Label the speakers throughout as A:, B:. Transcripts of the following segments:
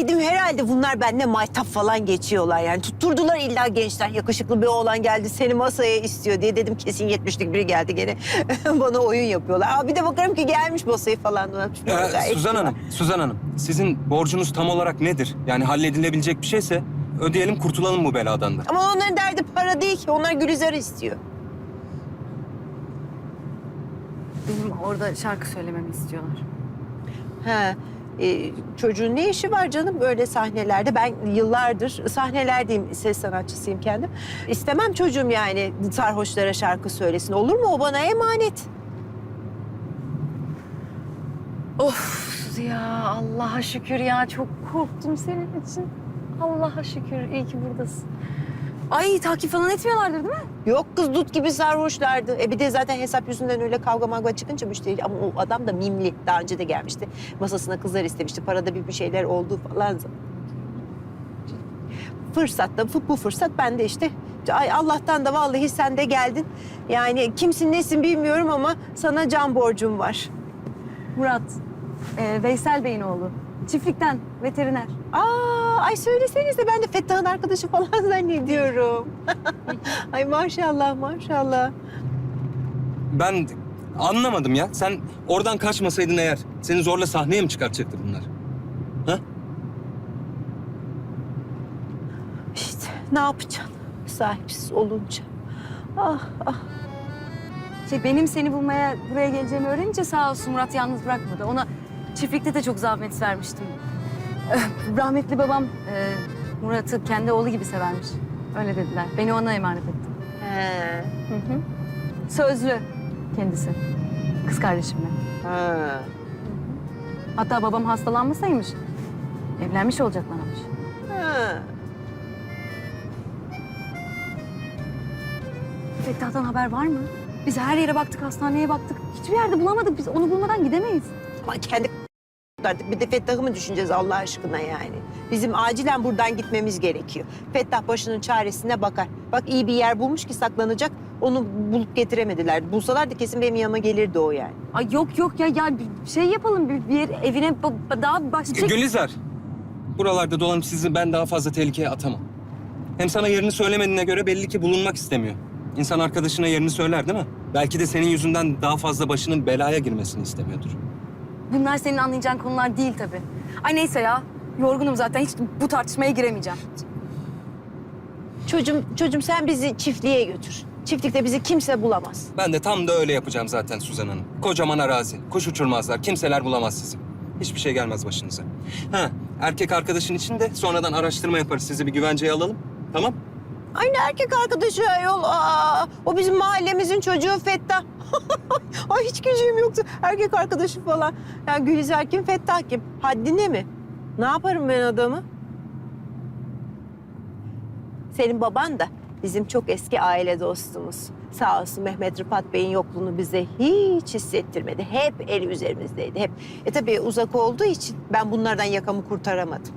A: Dedim herhalde bunlar bende maytap falan geçiyorlar yani. Tutturdular illa gençten yakışıklı bir oğlan geldi seni masaya istiyor diye. Dedim kesin 70'lik biri geldi gene bana oyun yapıyorlar. Aa, bir de bakarım ki gelmiş masayı falan.
B: Suzan Hanım, sizin borcunuz tam olarak nedir? Yani halledilebilecek bir şeyse ödeyelim, kurtulalım bu beladan da.
A: Ama onların derdi para değil ki. Onlar Gülizar'ı istiyor.
C: Benim orada şarkı söylememi istiyorlar.
A: Ha, çocuğun ne işi var canım böyle sahnelerde? Ben yıllardır sahnelerdeyim, ses sanatçısıyım kendim. İstemem çocuğum yani sarhoşlara şarkı söylesin. Olur mu? O bana emanet.
C: Of ya Allah'a şükür ya. Çok korktum senin için. Allah'a şükür iyi ki buradasın. Ay takip falan etmiyorlardır değil mi?
A: Yok kız dut gibi sarhoşlardı. Bir de zaten hesap yüzünden öyle kavga mavga çıkınca müşteri... Ama o adam da mimli. Daha önce de gelmişti. Masasına kızlar istemişti. Parada bir şeyler oldu falan. Fırsatta bu fırsat ben de işte... Ay Allah'tan da vallahi sen de geldin. Yani kimsin nesin bilmiyorum ama sana can borcum var.
C: Murat, Veysel Bey'in oğlu. Çiftlikten, veteriner.
A: Ay söylesenize ben de Fettah'ın arkadaşı falan zannediyorum. Ay maşallah maşallah.
B: Ben anlamadım ya. Sen oradan kaçmasaydın eğer seni zorla sahneye mi çıkartacaktı bunlar? Ha?
A: İşte ne yapacaksın sahipsiz olunca? Ah ah.
C: Benim seni bulmaya buraya geleceğimi öğrenince sağ olsun Murat yalnız bırakmadı. Ona çiftlikte de çok zahmet vermiştim. Rahmetli babam Murat'ı kendi oğlu gibi severmiş. Öyle dediler. Beni ona emanet etti.
A: He.
C: Hı hı. Sözlü kendisi. Kız kardeşimle.
A: Ha.
C: Hatta babam hastalanmasaymış. Evlenmiş olacaklarmış.
A: Ha.
C: Fettah'tan haber var mı? Biz her yere baktık, hastaneye baktık. Hiçbir yerde bulamadık. Biz onu bulmadan gidemeyiz.
A: Ama kendi artık bir de Fettah'ı mı düşüneceğiz Allah aşkına yani? Bizim acilen buradan gitmemiz gerekiyor. Fettah başının çaresine bakar. Bak iyi bir yer bulmuş ki saklanacak. Onu bulup getiremediler. Bulsalardı kesin benim yanıma gelirdi o yani.
C: Ay yok ya bir şey yapalım. Bir yer, evine daha başka...
B: Gülizar, buralarda dolanıp sizi ben daha fazla tehlikeye atamam. Hem sana yerini söylemediğine göre belli ki bulunmak istemiyor. İnsan arkadaşına yerini söyler değil mi? Belki de senin yüzünden daha fazla başının belaya girmesini istemiyordur.
C: Bunlar senin anlayacağın konular değil tabii. Ay neyse ya. Yorgunum zaten. Hiç bu tartışmaya giremeyeceğim.
A: Çocuğum sen bizi çiftliğe götür. Çiftlikte bizi kimse bulamaz.
B: Ben de tam da öyle yapacağım zaten Suzan Hanım. Kocaman arazi, kuş uçurmazlar, kimseler bulamaz sizi. Hiçbir şey gelmez başınıza. Ha, erkek arkadaşın için de sonradan araştırma yaparız. Sizi bir güvenceye alalım, tamam?
A: Aynı erkek arkadaşı ayol. O bizim mahallemizin çocuğu Fettah. Ay hiç gücüm yoktu. Erkek arkadaşı falan. Ya Gülizar kim, Fettah kim? Haddine mi? Ne yaparım ben adamı? Senin baban da bizim çok eski aile dostumuz. Sağ olsun Mehmet Rıfat Bey'in yokluğunu bize hiç hissettirmedi. Hep eli üzerimizdeydi, hep. Tabii uzak olduğu için ben bunlardan yakamı kurtaramadım.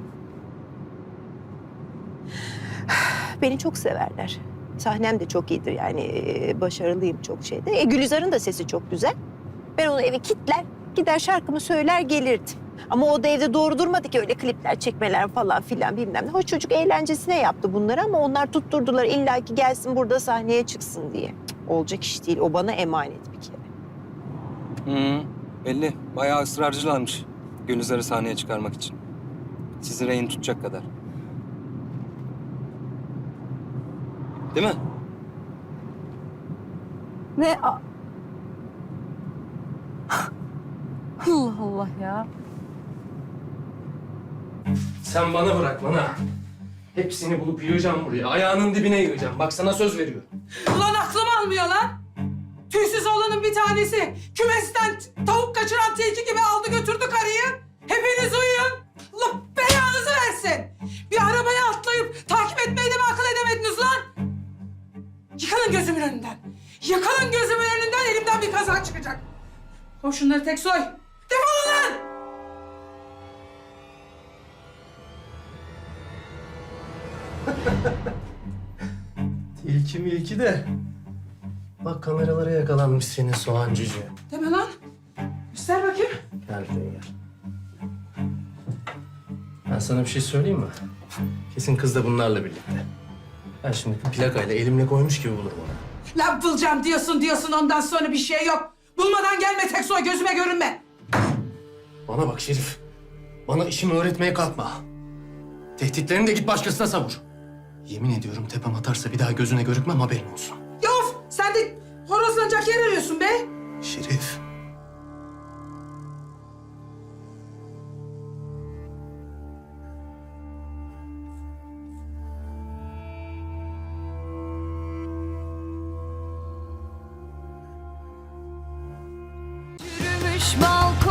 A: Beni çok severler. Sahnem de çok iyidir yani başarılıyım çok şeyde. Gülizar'ın da sesi çok güzel. Ben onu eve kilitler, gider şarkımı söyler gelirdim. Ama o da evde doğru durmadı ki öyle klipler çekmeler falan filan bilmem ne. Hoş çocuk eğlencesine yaptı bunları ama onlar tutturdular illa ki gelsin burada sahneye çıksın diye. Olacak iş değil, o bana emanet bir kere.
B: Belli. Bayağı ısrarcılarmış Gülizar'ı sahneye çıkarmak için. Sizi rehin tutacak kadar. Değil mi?
C: Ne? Allah Allah ya.
D: Sen bana bırak bana. Hepsini bulup yığacağım buraya. Ayağının dibine yığacağım. Bak sana söz veriyorum.
E: Ulan aklım almıyor lan. Tüysüz oğlanın bir tanesi kümesten tavuk kaçıran tilki gibi aldı götürdü karıyı. Hepiniz uyuyun. Allah belanızı versin. Bir arabaya atlayıp takip etmeyi de mi akıl edemediniz lan? Yıkılın gözümün önünden. Yıkılın gözümün önünden, elimden bir kaza çıkacak. Koy şunları tek soy. Defolun lan!
D: Tilki milki de. Bak kameralara yakalanmış senin soğan cüce.
E: Deme lan. Göster bakayım.
D: Gel buraya gel. Ha. Ben sana bir şey söyleyeyim mi? Kesin kız da bunlarla birlikte. Ben şimdi bu plakayla elimle koymuş gibi bulurum onu.
E: Lan bulacağım diyorsun ondan sonra bir şey yok. Bulmadan gelme Teksoy, gözüme görünme.
D: Bana bak Şerif. Bana işimi öğretmeye kalkma. Tehditlerini de git başkasına savur. Yemin ediyorum tepem atarsa bir daha gözüne görükmem, haberin olsun.
E: Yof, sen de horozlanacak yer arıyorsun be.
D: Şerif.
F: Yürümüş balkon